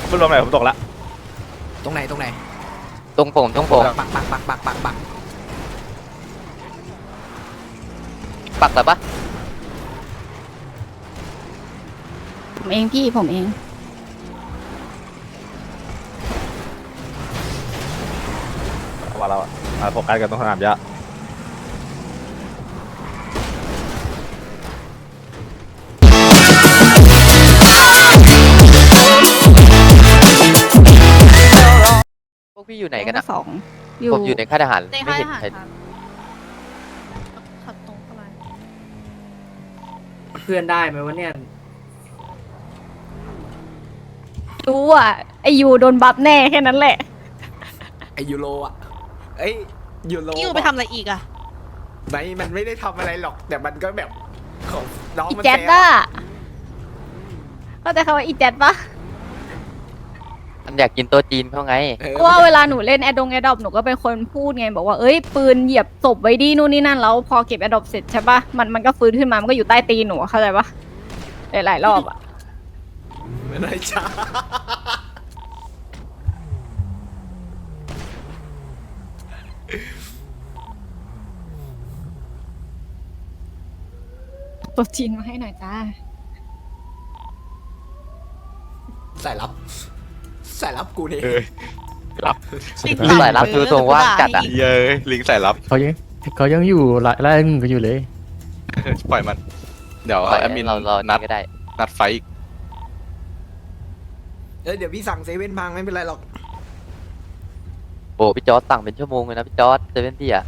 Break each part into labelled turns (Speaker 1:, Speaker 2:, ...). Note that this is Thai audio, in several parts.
Speaker 1: ไม่รวมไหนผมตกละ
Speaker 2: ตรงไหน
Speaker 3: ตรงผม
Speaker 2: ปัก
Speaker 3: ปักแบบปะ
Speaker 4: ผมเองพี่ผมเอง
Speaker 1: ว่าเราโฟกัสกันตรงสนามหญ้า
Speaker 3: พวกพี่อยู่ไหนกันอะ
Speaker 4: สองอยู่
Speaker 3: ผมอยู่ในค่ายทหาร
Speaker 5: ใน
Speaker 3: ไม่
Speaker 5: ค่าย
Speaker 3: เห็
Speaker 5: ท
Speaker 3: น
Speaker 5: หาร
Speaker 3: ใคร
Speaker 5: ครับขับตรงเข้ามา
Speaker 6: เพื่อนได้ไหมวะเนี่ย
Speaker 4: รู้อ่ะไอยูโดนบัฟแน่แค่นั้นแหละ
Speaker 2: ไอยูโรอ่ะเอ้ยยูโร
Speaker 5: พี่ยูไปทำอะไรอีกอะ
Speaker 2: มันไม่ได้ทำอะไรหรอก แต่มันก็แบบของน้อง
Speaker 4: อี
Speaker 2: มัน
Speaker 4: แจ๊ด
Speaker 2: แซว
Speaker 4: อะเข้าใจคำว่าอีแจ๊ดปะ
Speaker 3: มันอยากกินโต๊ะจีนเขาไง
Speaker 2: เออ
Speaker 4: เพราะว่าเวลาหนูเล่นแอดดงแอดดอปหนูก็เป็นคนพูดไงบอกว่าเอ้ยปืนเหยียบศพไว้ดีนู่นนี่นั่นแล้วพอเก็บแอดดอปเสร็จใช่ปะมันก็ฟื้นขึ้นมามันก็อยู่ใต้ตีนหนูเข้าใจปะหลายๆรอบอะ
Speaker 2: ไม่ได้ช้า
Speaker 4: ตัวจีนมาให้หน่อยจ้า
Speaker 2: สายลับกูเนี่ย
Speaker 1: รับ
Speaker 3: สายลับคือทรงว่างจัดอะ
Speaker 1: เย้ยลิงใส่รับ
Speaker 7: เขายังอยู่ไล่มึงกันอยู่เลย
Speaker 1: ปล่อยมัน เดี๋ยว
Speaker 3: ปล่อย
Speaker 1: แอดมิน
Speaker 3: เรา
Speaker 1: นัด
Speaker 3: ก็ได้
Speaker 1: ไฟอีก
Speaker 2: เดี๋ยวพี่สั่งเซเว่นพังไม่เป็นไรหรอก
Speaker 3: โอ้พี่จอร์ดสั่งเป็นชั่วโมงเลยนะพี่จอร์ดเซเว่นพี่อะ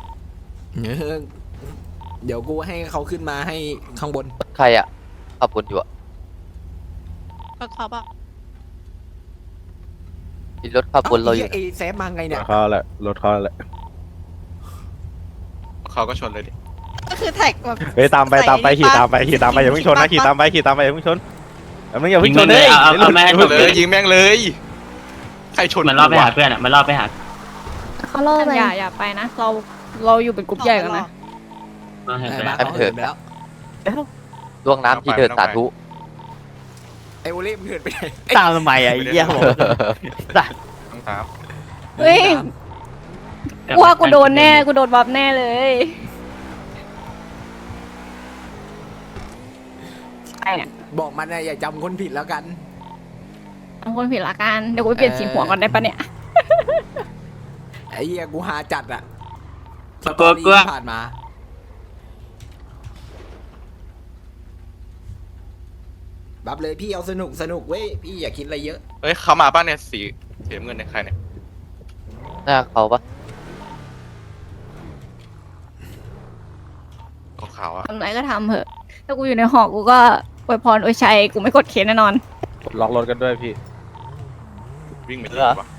Speaker 2: เดี๋ยวกูให้เขาขึ้นมาให้ข้างบน
Speaker 3: ใครอะขับบนอยู่อะ
Speaker 5: รถเขาปะ
Speaker 3: มีรถขับบนเราอยู่
Speaker 2: เอแซฟมาไงเนี่ย
Speaker 1: เขาแหละรถเขาแหละเขาก็ชนเลยดิ
Speaker 5: ก็คือแท็กแบบ
Speaker 1: เฮ้ยตามไปขี่ตามไปอย่าเพิ่งชนนะขี่ตามไปอย่าเพิ่งชนอย่าเพิ่งชนเลย
Speaker 8: เอาแม่ง
Speaker 1: เลยยิงแม่งเลยใครชน
Speaker 8: มันรอบไปหาเพื่อนอ่ะมันรอบไปหา
Speaker 4: เขาล่อไปอย่าไปนะเราอยู่เป็นกลุ่มใหญ่กันนะ
Speaker 8: มาหา
Speaker 2: เอ
Speaker 8: เพื่
Speaker 2: อ
Speaker 8: อน
Speaker 2: บ้านเขาเหินไปแล้ว
Speaker 3: ล่วงน้ำที่เดินสาธุ
Speaker 2: ไอโอเล่มันเหินไปไหน
Speaker 7: ตามทำไมอ่ะไอ้เหี้ยผมสัตว์
Speaker 1: ครับ
Speaker 4: เฮ้ยกูว่ากูโดนแน่กูโดนบัฟแน่เลยไอ้เนี่ย
Speaker 2: บอกมันนะอย่าจำคนผิดแล้วกัน
Speaker 4: ทำคนผิดละกันเดี๋ยวกูไปเปลี่ยนสีหัวก่อนได้ปะเนี่ย
Speaker 2: ไอ้เหี้ยกูหาจัดอะ
Speaker 8: กลัว
Speaker 2: ที่ผ่านมาบับเลยพี่เอาสนุกเว้ยพี่อย่าคิดอะไรเยอะ
Speaker 1: เฮ้ยเขามาป่ะเนี่ยสีน้ำเงินเนี่ยใครเนี่ย
Speaker 3: หน้าเขาปะ
Speaker 1: ขาวๆอ่ะ
Speaker 4: ทำไรก็ทำเถอะถ้ากูอยู่ในหอกูก็อวยพรอวยชัยกูไม่กดเคสแน่นอน
Speaker 1: ล็อกรถกันด้วยพี่วิ่งไปที่ไหนวะ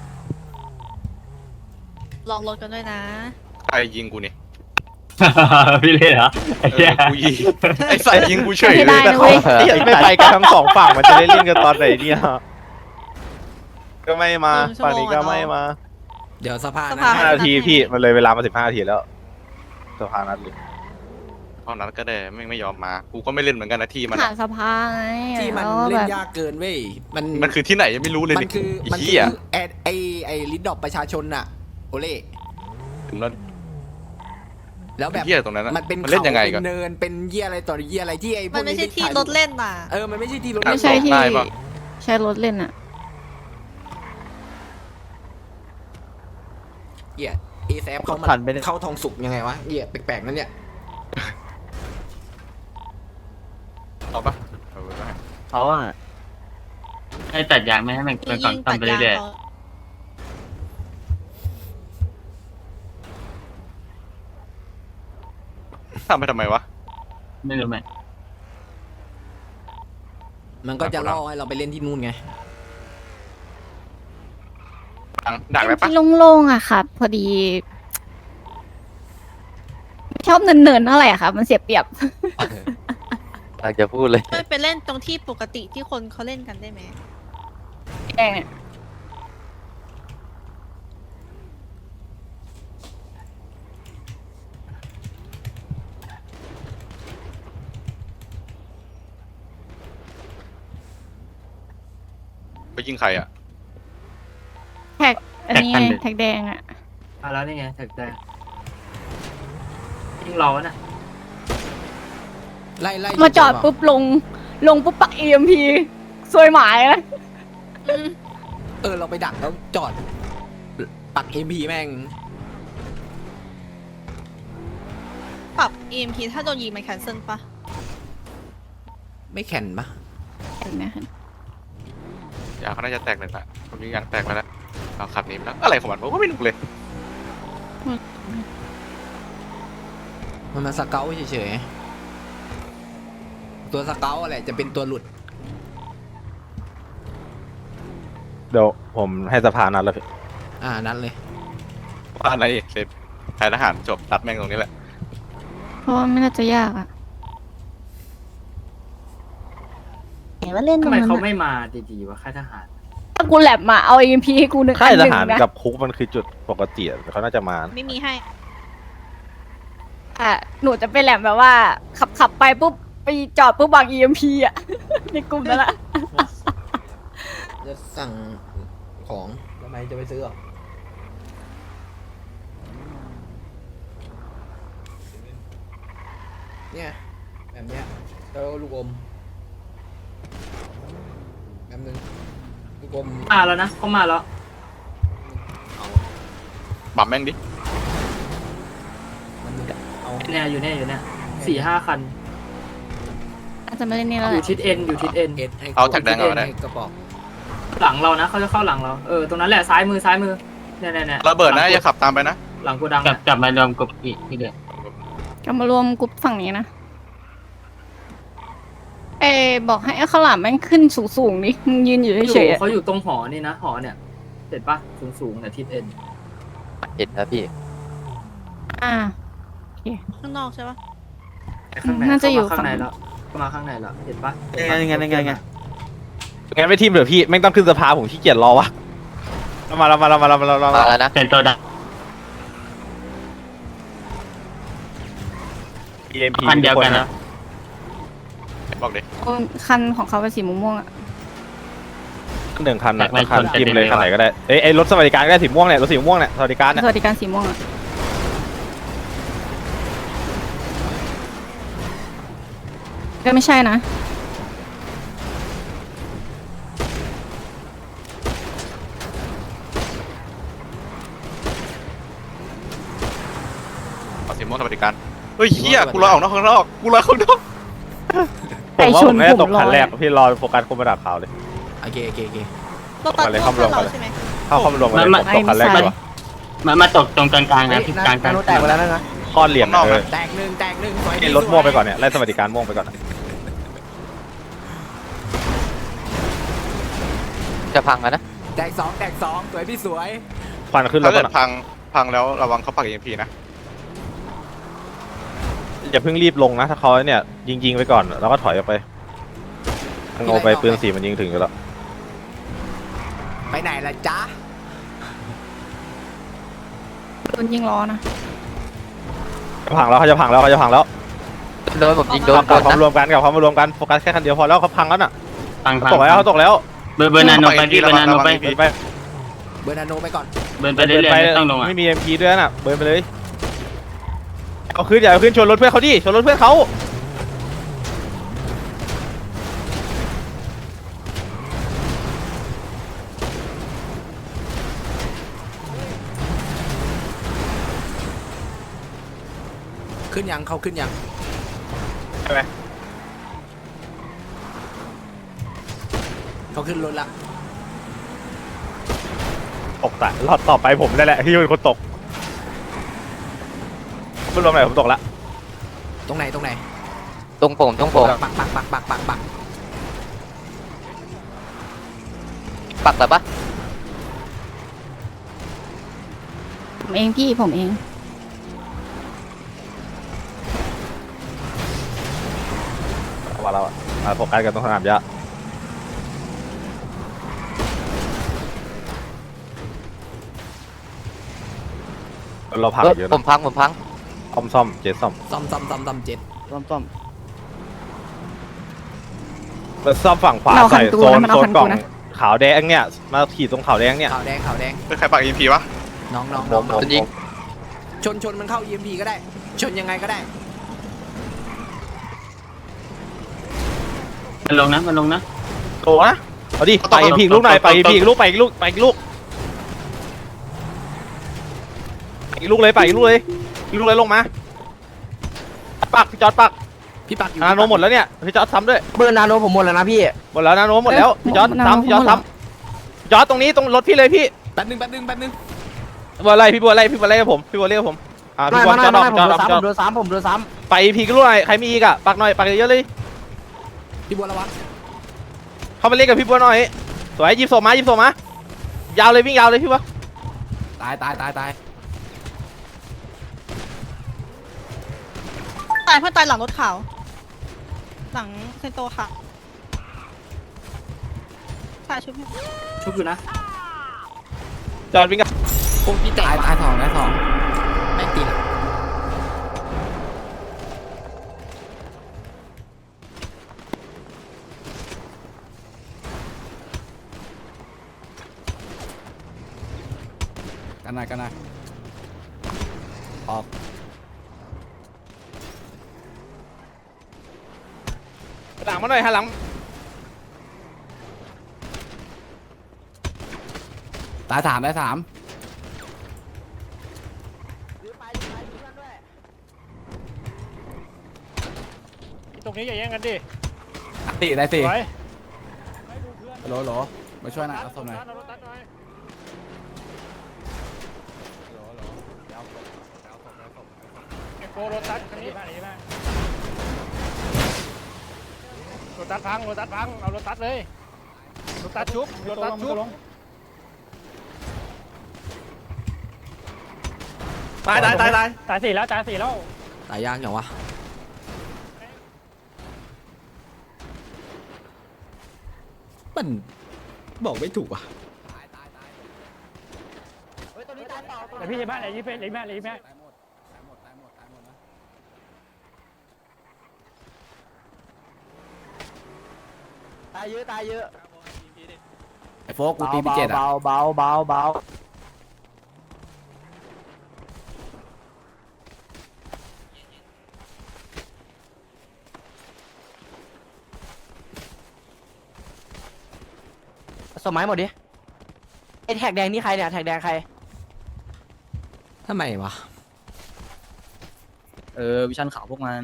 Speaker 5: ลองรถกันด้วยนะ
Speaker 1: ใครยิงกูเนี่ย
Speaker 8: พี่เล่เหรอไอ้เหี้ย
Speaker 1: กูยิงไอ้ใส่ยิงกูเฉย
Speaker 4: ไม่
Speaker 1: เล
Speaker 4: ได้
Speaker 1: ย
Speaker 4: นะเว้ย
Speaker 1: ไม่ไปกันทั้งสองฝั่งมันจะได้เล่นกันตอนไหนเนี่ยก็ไม่มา
Speaker 5: 1 ชั่ว
Speaker 1: ฝั่ง
Speaker 5: โมง
Speaker 1: นี้ก็ไม่มา
Speaker 2: เดี๋ยวสภา
Speaker 5: สภา
Speaker 1: 5 นาทีพี่มันเลยเวลามา15 นาทีแล้วสภานัดเลยตอนนั้นก็ได้ไม่ยอมมากูก็ไม่เล่นเหมือนกันนะที่มัน
Speaker 4: หาสภาไง
Speaker 2: ที่มัน
Speaker 4: แล้ว
Speaker 2: เล่
Speaker 4: แบ
Speaker 2: น
Speaker 4: บ
Speaker 2: ยากเกินเว้ยมัน
Speaker 1: มันคือที่ไหนยังไม่รู้เลย
Speaker 2: มันคือ
Speaker 1: ไอ้
Speaker 2: มันคื
Speaker 1: เหี้
Speaker 2: อย ไอลิดดอกประชาชนอะโอเล่
Speaker 1: ถึงแล้ว
Speaker 2: แล้วแบบ
Speaker 1: เหี้ยตรงนั้น
Speaker 2: มันเป็น
Speaker 1: มันเล่นยังไง
Speaker 2: เป็
Speaker 1: กัน
Speaker 2: นเนินเป็นเหี้ยอะไรต่อเหี้ยอะไรที่ไอพว
Speaker 5: มั
Speaker 2: ก
Speaker 5: นไม่ใช่ที่
Speaker 2: ถ่าย
Speaker 5: รถเล่นน่ะ
Speaker 2: มันไม่ใช่ที่รถ
Speaker 4: ไม่ใช่ที่
Speaker 1: ได้ปะ
Speaker 4: ใช้รถเล่นอะ
Speaker 2: เหี้ยเอแซฟเขามา
Speaker 7: ผ่านไปเนี่ย
Speaker 2: เข้าทองสุกยังไงวะเหี้ยแปลกๆนั่นเนี่ย
Speaker 1: เอาปะเอาไปได้
Speaker 7: เขาอ่ะ
Speaker 8: ให้ตัดยางไม่ให้มัน
Speaker 5: มี
Speaker 8: ก่อน
Speaker 5: ยิง
Speaker 8: ทำไป
Speaker 5: ตัดยาง
Speaker 8: เรื่อย
Speaker 5: เขา
Speaker 1: ทำไปทำไมวะ
Speaker 8: ๆไม่รู้ไหม
Speaker 2: มันก็จะล่อให้เราไปเล่นที่นู่นไง
Speaker 1: ดักได้ปะ
Speaker 4: ที่โล่งๆอะค่ะพอดี ชอบเนินๆเท่าไหร่อะค่ะมันเสียเปรียบ
Speaker 3: อยากจะพูดเลย
Speaker 5: ไม่ไปเล่นตรงที่ปกติที่คนเขาเล่นกันได้ไหม
Speaker 4: แดงเนี่ย
Speaker 1: ไปยิงใครอ่ะ
Speaker 4: แท็กอันนี้ไง
Speaker 8: แท็กคันเด็ด
Speaker 4: แท็กแดงอ่ะ
Speaker 8: มาแล้วนี่ไงแท็กแดงยิงเราอะนะ
Speaker 2: ไล่ไล่
Speaker 4: มาจอดปุ๊บลงปุ๊บปัก EMP ซวยหมายนะ
Speaker 2: เราไปดักแล้วจอดปัก MP แม่ง
Speaker 5: ปรับ EMP ถ้าโดนยิงมันแคนเซิลปะ
Speaker 2: ไม่แข็นปะ
Speaker 4: เห็นไหมคะ
Speaker 1: ยางเขาน่าจะแตกเลยละผมยิงยางแตกมาแล้วเอาขับหนีไปแล้วอะไรของมันผมก็ไม่รู้เลย
Speaker 2: มันมาสเกลเฉยๆตัวสเกลอะไรจะเป็นตัวหลุด
Speaker 1: เดี๋ยวผมให้สภานัดแล้วพี่
Speaker 2: นั่นเลย
Speaker 1: ว่าอะไรเสร็จทายทหารจบตัดแม่งตรงนี้แหละ
Speaker 4: เพราะว่าไม่น่าจะยากอ่ะ
Speaker 6: เห็นว่าเล่นต
Speaker 8: ทำ
Speaker 6: รง
Speaker 8: ไม
Speaker 6: นั้น
Speaker 8: เขา
Speaker 6: อะ
Speaker 8: ไม่มาดีๆวะค่ายทหาร
Speaker 4: ถ้ากูแลบมาเอา EMP ให้กูหนึ่ง
Speaker 1: ค่าย
Speaker 4: อันห
Speaker 1: ท
Speaker 4: นึ่ง
Speaker 1: หาร
Speaker 4: นะ
Speaker 1: กับคุกมันคือจุดปกติอะเขาน่าจะมา
Speaker 5: ไม่มีให้
Speaker 4: หนูจะไปแลบแบบว่า ขับไปปุ๊บไปจอดปุ๊บวาง EMP อ่ะ ในกลุ่มนั่นแหละ
Speaker 2: จะสั่งของทำไมจะไปซื้อหรอเนี่ยแบบเนี้ยแล้วลูกอมแบบนึงลูกอม
Speaker 8: มาแล้วนะเขามาแล้ว
Speaker 1: บัมแม่งดิ
Speaker 2: เอา
Speaker 8: เนี่ยอยู่เนี่ย4-5 คัน
Speaker 4: อาจจะไม่ได้นี่แล้ว
Speaker 8: อ
Speaker 4: แห
Speaker 8: ยู่
Speaker 4: ละ
Speaker 8: ทิศเอ็นอยู่ทิศเอ็น
Speaker 2: ให้
Speaker 1: เอาแท็กแดงเอาก็ได้
Speaker 2: ให้กระบอก
Speaker 8: หลังเรานะเขาจะเข้าหลังเราตรงนั้นแหละซ้ายมือเนี่ย
Speaker 1: ระเบิดนะอย่าขับตามไปนะ
Speaker 8: หลังกูดังกลับมารวมกับอีกทีเดียว
Speaker 4: ก็มารวมกลุ่มฝั่งนี้นะ บอกให้ข้าวหลามแม่งขึ้นสูงๆนี่มึงยืนอยู่เฉยๆอะ
Speaker 8: เขาอยู่ตรงหอนี่นะหอเนี่ยเห็นปะสูงเนี่ยทิศเอ็น
Speaker 3: เห็นครับพี่
Speaker 4: อ่า
Speaker 5: ข้างนอกใช่ปะ
Speaker 8: ข้างใน
Speaker 4: น่าจะอยู่
Speaker 8: เข้ามาข้างใน
Speaker 4: ฝั่ง
Speaker 8: แล้วเข้ามาข้างในแล้วเห็นปะ
Speaker 7: ยังไง
Speaker 1: งั้นไม่ทีมเดี๋ยวพี่แม่งต้องขึ้นสภาผมขี้เกียจรอวะมาแล้ว
Speaker 3: มาแล้วนะ
Speaker 8: เป็นตัวดัง
Speaker 1: EMP
Speaker 8: คันเดียวกันนะ
Speaker 1: บอกดิ
Speaker 4: คันของเขาเป็นสีม่วงๆอ่ะ
Speaker 1: หนึ่งคันนะคันจิ้มเลยคันไหนก็ได้ไอ้รถสวัสดิการก็ได้สีม่วงเนี่ยรถสีม่วงเนี่ยสวัสดิการเนี่ย
Speaker 4: สวัสดิการสีม่วงอ่ะ ก็ไม่ใช่นะ
Speaker 1: เอาสีม่วงสวัสดิการเฮ้ยเฮียกูรอออกนอกข้างนอกกูรอข้างนอก
Speaker 4: ไก่
Speaker 1: ผมว่า
Speaker 4: ช
Speaker 1: ผ
Speaker 4: น
Speaker 1: มไม่ได้ตก
Speaker 4: ผมรอ
Speaker 1: คันแรกพี่รอโฟกัสคนมาดักขาวเลย
Speaker 2: โอเค
Speaker 5: รถตัด
Speaker 1: มาเลย
Speaker 5: ร
Speaker 1: เข้า
Speaker 5: ถ
Speaker 1: รวม
Speaker 5: เรา
Speaker 1: กันเลย
Speaker 5: ใช่ไหม
Speaker 1: เข้ามาลงมาเลยตกคันแรกดีกว่า
Speaker 8: มาตกตรงกลางๆนะทิศกลาง
Speaker 7: แตกไปแล้วนะ
Speaker 1: ข้อเหลี่ยมเออ
Speaker 2: แตกหนึ่งสวย
Speaker 1: ไอ้รถม่วงไปก่อนเนี่ยไล่สวัสดิการม่วงไปก่อน
Speaker 3: จะพังแล้วนะ
Speaker 2: แตกสองสวยพี่สวย
Speaker 1: ควันขึ้นรถก่อนพังแล้วระวังเขาปัก EMP นะอย่าเพิ่งรีบลงนะถ้าเขาเนี่ยยิงไปก่อนแล้วก็ถอยออกไปโง่ไปปืนสีมันยิงถึงอยู่แล้ว
Speaker 2: ไปไหนล่ะจ๊ะ
Speaker 4: โดนยิงล้อนะ
Speaker 1: จะพังแล้วเขาจะพังแล้ว
Speaker 3: โดนผมยิงโดน
Speaker 1: กับความ
Speaker 3: นะ
Speaker 1: รวมกันโฟกัสแค่คันเดียวพอแล้วเขาพังแล้วน่ะ
Speaker 8: พัง
Speaker 1: ตกแล้วเขาตกแล้ว
Speaker 8: เบอร์นาโนไปพี่เบอร์นาโนไป
Speaker 1: ไป
Speaker 2: เบอร์นาโนไปก่อน
Speaker 8: เบิร์นไปเรื่อยๆไม่ต้องลงอ่ะ
Speaker 1: ไม่มี MP ด้วยน่ะเบิร์นไปเลยเอาขึ้นอย่าเอาขึ้นชนรถเพื่อนเขาดิชนรถเพื่อนเขา
Speaker 2: ขึ้นยังเขาขึ้นยัง
Speaker 1: ใช่ไหม
Speaker 2: เขาขึ้นรถละ
Speaker 1: ตกแต่รอบต่อไปผมนั่นแหละที่เป็นคนตกไม่รวมไหนผมตกละ
Speaker 2: ตรงไหน
Speaker 3: ตรงผม
Speaker 2: ปัก
Speaker 3: ปักแบบปะ
Speaker 4: ผมเองพี่ผมเอง
Speaker 1: ว่าเราโฟกัสกันตรงสนามหญ้าเราพังเยอะ
Speaker 3: ผ
Speaker 1: นะ
Speaker 3: มพัง
Speaker 1: ซ่อมเจ็ดซ่อม
Speaker 2: ซ่อมเจ็ด
Speaker 7: ต้อม
Speaker 1: แล้วซ่อมฝั่งขวา
Speaker 4: เราคั
Speaker 1: ใส่
Speaker 4: นตู
Speaker 1: โซน
Speaker 4: นะมันเอา
Speaker 1: โซน
Speaker 4: คัน
Speaker 1: กล่
Speaker 4: ตู
Speaker 1: อง
Speaker 4: นะ
Speaker 1: ขาวแดงเนี่ยมาขี่ตรงขาวแดงเนี่ย
Speaker 2: ขาวแดงขาวแดง
Speaker 1: เป็นใครปัก EMP วะ
Speaker 2: น้อง
Speaker 3: จะยิง
Speaker 2: ชนมันเข้า EMP ก็ได้ ชนยังไงก็ได้
Speaker 8: มันลงนะมันลงนะ
Speaker 1: โตนะเอาดิไป EMP ลูกหน่อยไป EMP ลูกไปอีกลูกไปอีกลูกอีกลูกเลยไปอีกลูกเลยอีกลูกเลยลงมาปักพี่จอดปัก
Speaker 2: พี่ปักอยู่
Speaker 1: นาโนหมดแล้วเนี่ยพี่จอดซ้ำด้วย
Speaker 6: เบอร์นาโนผมหมดแล้วนะพี่
Speaker 1: หมดแล้วนาโนหมดแล้วพี่จอดซ้ำพี่จอดซ้ำพี่จอดตรงนี้ตรงรถพี่เลยพี่
Speaker 2: แป๊บนึง
Speaker 1: บัวอะไรพี่บัวอะไรพี่บัวอะไรกับผมพี่บัวเรียกผมพี่บัวจอดออกจอดออกจอด
Speaker 6: ผมโดนซ้ำ
Speaker 1: ไป EP กันลูกหน่อยใครมีอีกอะปักหน่อยปักเยอะๆเลย
Speaker 2: พี่บัวระวัง
Speaker 1: เข้ามาเล่นกับพี่บัวหน่อยสวยยิบโซมายาวเลยวิ่งยาวเลยพี่บัว
Speaker 2: ตาย
Speaker 5: ตายเพื่อนตายหลังรถขาวหลังเซนโตค่ะตายชุบให้
Speaker 8: ชุบอยู่นะ
Speaker 1: จอดวิ่งกัน
Speaker 2: โอ้พี่ตายสองแม่งตีหลังกันหน่อยออก
Speaker 1: หลังมาหน่อยหันหลัง
Speaker 2: ตายสาม
Speaker 7: ตรงนี้อย่าแย่งกันดิ
Speaker 2: ได้สิ
Speaker 7: สวย
Speaker 2: โหลมาช่วยหน่อยเอาศพหน่อย
Speaker 7: โกโรตัสคันนี้มาไหนมาโรตัสพังเอาโรตัสเลยโรตัสชุบ
Speaker 1: ตาย
Speaker 7: ตายสี่แล้ว
Speaker 2: ตายยากอย่างวะมันบอกไม่ถูกว่ะ
Speaker 7: แต่พี่จะบ้านไหนยี่เป็นไหนแม่
Speaker 2: ตายหมดนะ
Speaker 6: ตายเยอะ
Speaker 2: ไอ้โฟกกูตีพี่เจ็ดอ่ะ
Speaker 6: เบาสมัยหมดดิไอแท็กแดงนี่ใครเนี่ยแท็กแดงใคร
Speaker 2: ทำไมวะ
Speaker 8: วิชันขาวพวกมัน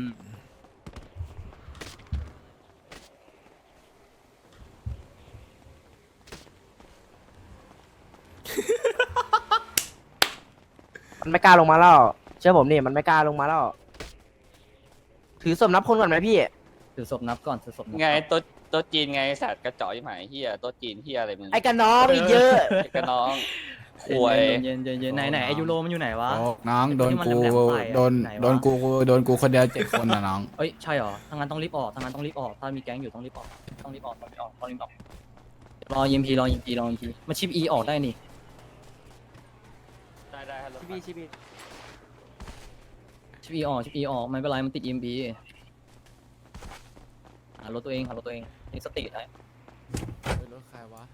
Speaker 6: มันไม่กล้าลงมาแล้วเชื่อผมนี่มันไม่กล้าลงมาแล้วถือศพนับคนก่อนไหมพี่
Speaker 8: ถือศพนับก่อนถือศพนับ
Speaker 9: ไงโต๊ะจีนไงสัตว์กระจอกยี่หมายเฮียโต๊ะจีนเฮียอะไรมึง
Speaker 6: ไอ้กันน้องอีกเยอะ
Speaker 9: ไอ้กระน้องหวย
Speaker 8: เย็นไหนไอยูโรมันอยู่ไหนวะ
Speaker 2: โฟกน้องโดนกู
Speaker 8: ที่มันแหลมๆใส่อะ
Speaker 2: โดน
Speaker 8: ไหนวะ
Speaker 2: โดนกูคนเดียว7 คนนะน้อง
Speaker 8: เอ้ยใช่เหรอทางนั้นต้องรีบออกถ้ามีแก๊งอยู่ต้องรีบออกรอ EMP มาชิป E ออกได้นี่
Speaker 9: ได้ฮัลโหล
Speaker 6: ชิบี
Speaker 8: ชิป E ออกไม่เป็นไรมันติด EMP หารถตัวเองนี่สติได้
Speaker 2: รถใครวะ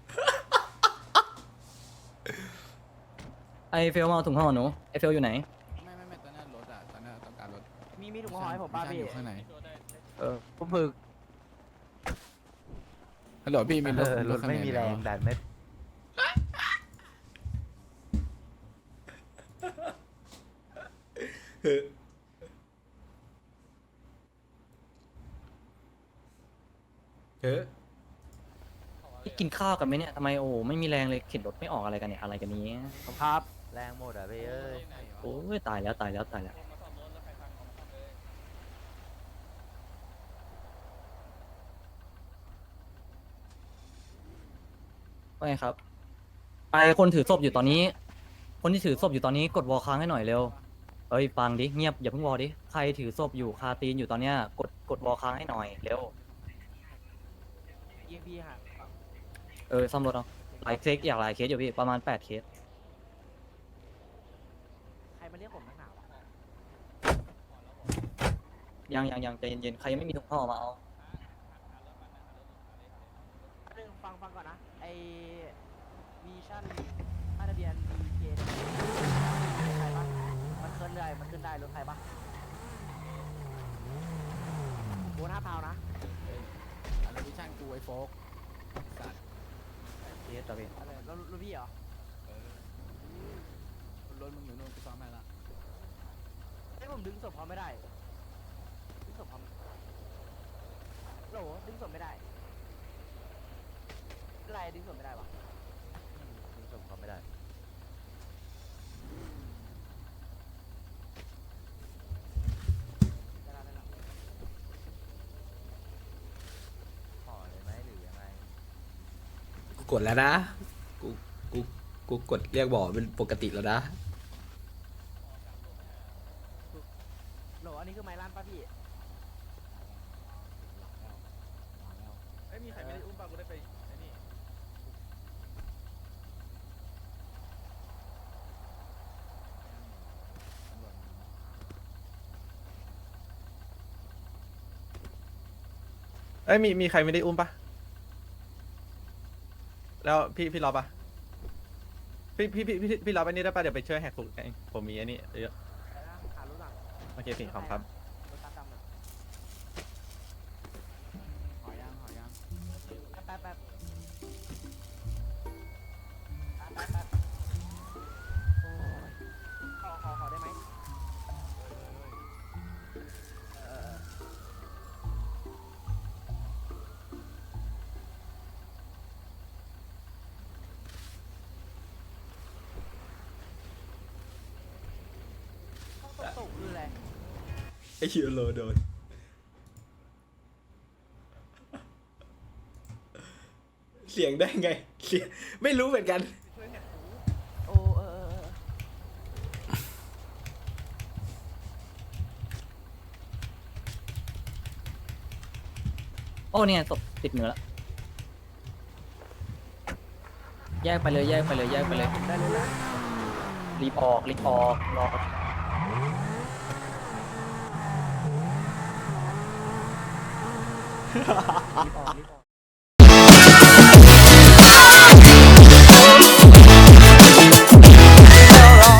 Speaker 8: ไอเฟลมาเอาถุงห่อหนูไอเฟลอยู่ไหน
Speaker 2: ไม่ตอนนั้นรถอ่ะตอนนั้นต้องการรถ
Speaker 6: มีถุงห่อให้ผมป้าพี่
Speaker 2: อยู่ข้างใน
Speaker 6: ผมฝึก
Speaker 2: ฮัลโหลพี่มีรถข้างในไม่มีแรงดันไม่
Speaker 8: กินข้าวกันไหมเนี่ยทำไมโอ้ไม่มีแรงเลยเข็นรถไม่ออกอะไรกันเนี่ยอะไรกันนี้
Speaker 6: ครับแรงหมดอ่ะพี่เอ้ย
Speaker 8: โอ้ยตายแล้วว่าไงครับไปคนถือศพอยู่ตอนนี้ คนที่ถือศพอยู่ตอนนี้กดวอลค้างให้หน่อยเร็วเอ้ยฟังดิเงียบอย่าเพิ่งวอลดิใครถือศพอยู่คาตีนอยู่ตอนเนี้ยกดวอลค้างให้หน่อยเร็ว
Speaker 6: EMP ฮะ
Speaker 8: ซ่อมรถเอาหลายเคสอยู่พี่ประมาณ8 เคส
Speaker 6: ใครมาเรียกผมนักหนาวะ
Speaker 8: ยังใจเย็นๆใครยังไม่มีถุงห่อมาเอา
Speaker 6: ฟังก่อนนะไอวีชั่นป้ายทะเบียน DK ใครปะมันเคลื่อนได้มันขึ้นได้รถใครปะโอน5 พาวนะ
Speaker 2: อะไรวิชั่นกูไอ้โฟกสัตว์
Speaker 8: เยสต่อพี่
Speaker 6: อะไรรถพี่เหรอ
Speaker 2: รถมึงอยู่นู่นกูซ้อมให้ละ
Speaker 6: ไอ้ยผมดึงศพเขาไม่ได้ดึงศพเขาโหลดึงศพไม่ได้อะไรดึงศพไม่ได้วะ
Speaker 3: ดึงศพเขาไม่ได้
Speaker 6: ได้ละ
Speaker 3: ห่อเลยไหมหรือยังไง
Speaker 2: กูกดแล้วนะกูกดเรียกบอกเป็นปกติแล้วนะ
Speaker 6: โหลอันนี้คือไม้ลั่นป่ะพี่
Speaker 1: เอ้ยมีใครไม่ได้อุ้มป่ะกูได้ไปไอ้นี่เอ้ยมีใครไม่ได้อุ้มป่ะแล้วพี่รอป่ะพี่รอไปนี่ได้ป่ะเดี๋ยวไปช่วยแหกคุกเองผมมีไอ้นี่เยอะ
Speaker 6: อะไรนะหารถหลัง
Speaker 1: โอเคพี่ขอบคุณครับ
Speaker 6: รถตาดำอะ
Speaker 2: หอยัง
Speaker 6: แป๊บโอ้ยขอได้ไหมตกคืออะไร
Speaker 2: ไอ้ฮิโรโดนเสียงได้ไงเสียงไม่รู้เหมือนกัน
Speaker 6: โอ้
Speaker 8: โอ้เนี่ยศพติดมือแล้วแยกไปเลยแยกไปเลยแยกไปเลย
Speaker 6: ได้เลยนะ
Speaker 8: รีบออกรอ
Speaker 6: รีบออก